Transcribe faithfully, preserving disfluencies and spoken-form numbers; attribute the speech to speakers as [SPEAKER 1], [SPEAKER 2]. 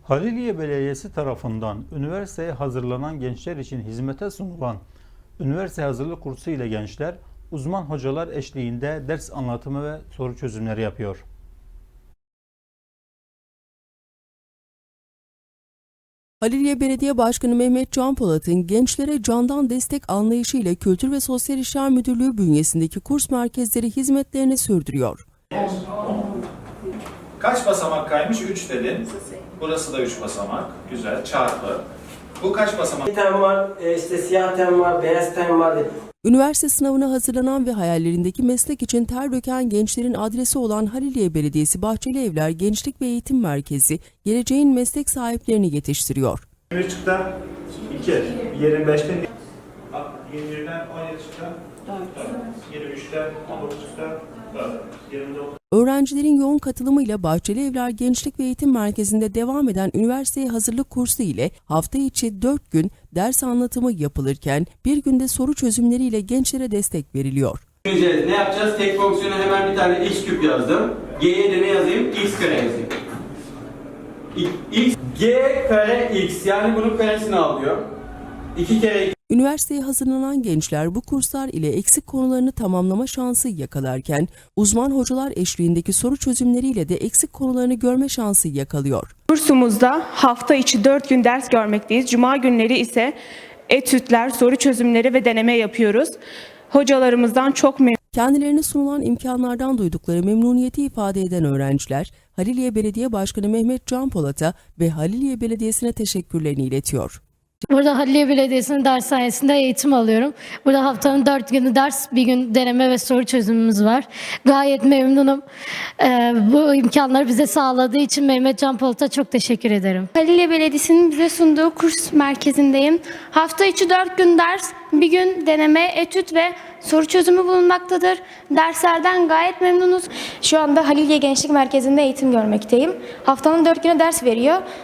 [SPEAKER 1] Haliliye Belediyesi tarafından üniversiteye hazırlanan gençler için hizmete sunulan üniversite hazırlık kursu ile gençler uzman hocalar eşliğinde ders anlatımı ve soru çözümleri yapıyor.
[SPEAKER 2] Haliliye Belediye Başkanı Mehmet Can Polat'ın gençlere candan destek anlayışı ile Kültür ve Sosyal İşler Müdürlüğü bünyesindeki kurs merkezleri hizmetlerini sürdürüyor.
[SPEAKER 3] Kaç basamak kaymış? üç dedin. Burası da üç basamak. Güzel. Çarpı. Bu kaç basamak?
[SPEAKER 4] Tem var, e, işte siyah tem var, beyaz tem var.
[SPEAKER 2] Üniversite sınavına hazırlanan ve hayallerindeki meslek için ter döken gençlerin adresi olan Haliliye Belediyesi Bahçeli Evler Gençlik ve Eğitim Merkezi, geleceğin meslek sahiplerini yetiştiriyor.
[SPEAKER 3] yirmi üç çıktı. iki. yirmi beşten yirmi birden on yedi çıktı. yirmi üçten on dokuz çıktı. yirmi dokuz.
[SPEAKER 2] Öğrencilerin yoğun katılımıyla Bahçeli Evler Gençlik ve Eğitim Merkezi'nde devam eden üniversiteye hazırlık kursu ile hafta içi dört gün ders anlatımı yapılırken bir günde soru çözümleriyle gençlere destek veriliyor.
[SPEAKER 5] Ne yapacağız? Tek fonksiyona hemen bir tane x küp yazdım. G'ye de ne yazayım? X kare yazayım. X, G kare x, yani bunun karesini alıyor. iki kere
[SPEAKER 2] Üniversiteye hazırlanan gençler bu kurslar ile eksik konularını tamamlama şansı yakalarken uzman hocalar eşliğindeki soru çözümleriyle de eksik konularını görme şansı yakalıyor.
[SPEAKER 6] Kursumuzda hafta içi dört gün ders görmekteyiz. Cuma günleri ise etütler, soru çözümleri ve deneme yapıyoruz. Hocalarımızdan çok memnunum.
[SPEAKER 2] Kendilerine sunulan imkanlardan duydukları memnuniyeti ifade eden öğrenciler, Haliliye Belediye Başkanı Mehmet Can Polat'a ve Haliliye Belediyesi'ne teşekkürlerini iletiyor.
[SPEAKER 7] Burada Haliliye Belediyesi'nin dershanesinde eğitim alıyorum. Burada haftanın dört günü ders, bir gün deneme ve soru çözümümüz var. Gayet memnunum. Ee, bu imkanları bize sağladığı için Mehmet Can Polat'a çok teşekkür ederim.
[SPEAKER 8] Haliliye Belediyesi'nin bize sunduğu kurs merkezindeyim. Hafta içi dört gün ders, bir gün deneme, etüt ve soru çözümü bulunmaktadır. Derslerden gayet memnunuz.
[SPEAKER 9] Şu anda Haliliye Gençlik Merkezi'nde eğitim görmekteyim. Haftanın dört günü ders veriyor.